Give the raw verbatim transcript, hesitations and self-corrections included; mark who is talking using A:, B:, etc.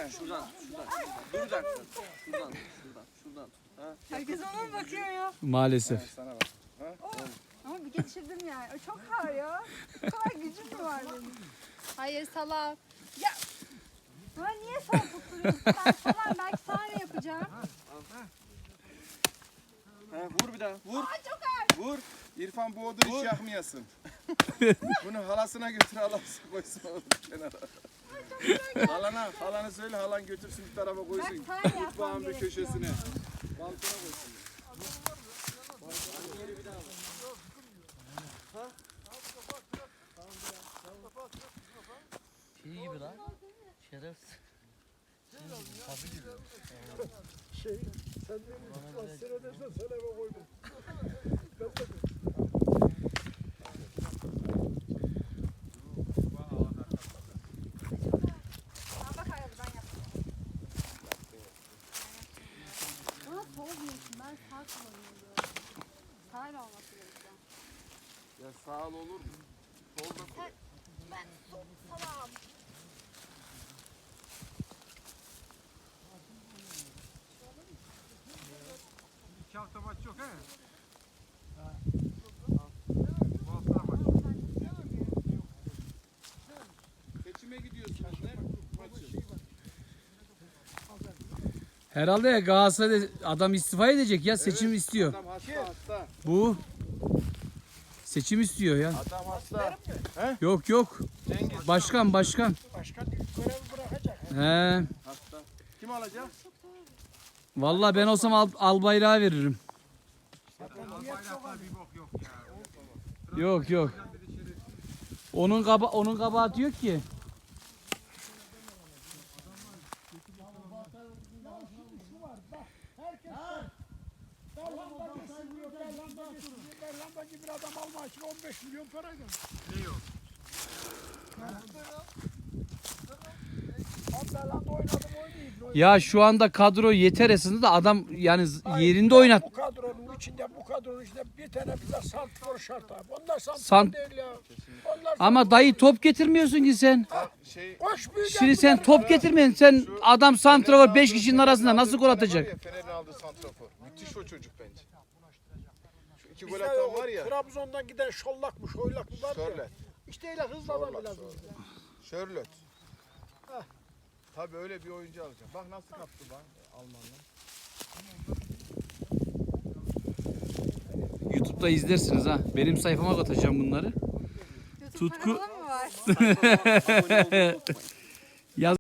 A: Şuradan, şuradan. Dur bir dakika. Şuradan, şuradan, şuradan tut. Ha?
B: Herkes ona mı bakıyor ya?
C: Maalesef.
A: Sana bak. Ha?
B: Ama bir geçirdim yani. O çok ağır ya. Bu kadar gücüm mü var benim? Hayır salak. Ya. Ha niye sağ tutturuyorsun? Ben falan belki sağ yapacağım.
A: Ha, vur bir daha, vur.
B: Aa çok ağır.
D: Vur. İrfan bu odunu hiç yakmayasın. Bunu halasına götür, halası koysun onu kenara. Halana, halana söyle, halan götürsün bir tarafa koysun.
B: Bak, sen
D: Mutfağın bir
B: yapmam
D: köşesine.
B: gerekiyor.
D: Balkona koysun.
E: Şey gibi lan. Şerefsiz. Tabii gibi.
F: Şey, sen beni seyredersen söyleme koydum.
B: Aa, bak hayır ben yaptım. Bana sol diyorsun. Ben sağ kullanıyorum. Sağ ile olması gerekiyor.
D: Ya sağ ol olur mu? Solda koy.
B: Ben sol salam.
F: İki hafta maç yok he? Bu hafta maç yok.
D: Seçime gidiyorsunuz ne? Maçı.
C: Herhalde ya Galatasaray'da adam istifa edecek ya seçim istiyor.
D: Adam hasta hasta.
C: Bu seçim istiyor ya.
D: Adam hasta.
C: Yok yok.
D: Cengiz
C: Başkan başkan.
F: Başkan görevi bırakacak.
C: He.
D: hasta. Kim alacak?
C: Vallahi ben olsam al, Albayrak'a veririm.
F: Bayraklar bir bok yok ya.
C: Yok yok. Onun kaba onun kabahati yok ki.
F: Berlanda gibi bir adam alma için on beş milyon paraydı.
E: Ne yok?
F: Berlanda oynadım oynayayım.
C: Ya şu anda kadro yeter esasında da adam yani z- yerinde oynat.
F: Bu kadronun içinde, bu kadronun içinde bir tane bize santrfor şart abi. Onlar santrfor
C: Sant-
F: değil ya. Onlar
C: Ama dayı top getirmiyorsun ki sen.
D: Şey
F: koş büyük
C: Şimdi sen top getirmeyin. Sen adam santrafor beş kişinin arasında nasıl gol atacak?
D: Fener'in aldığı santrafor. Müthiş o çocuk bence. Şu iki gol atan var ya.
F: Trabzon'dan giden şollak mı, şoylak mı var ya.
D: Sörlet.
F: İşte öyle hızlı adam
D: Şorlak,
F: lazım.
D: Şörlöt. Tabii öyle bir oyuncu alacağım. Bak nasıl kaptı bak Almanlar.
C: YouTube'da izlersiniz ha. Benim sayfama atacağım bunları.
B: YouTube
C: Tutku-
B: kanalı mı var?
A: Abone olmayı unutmayın.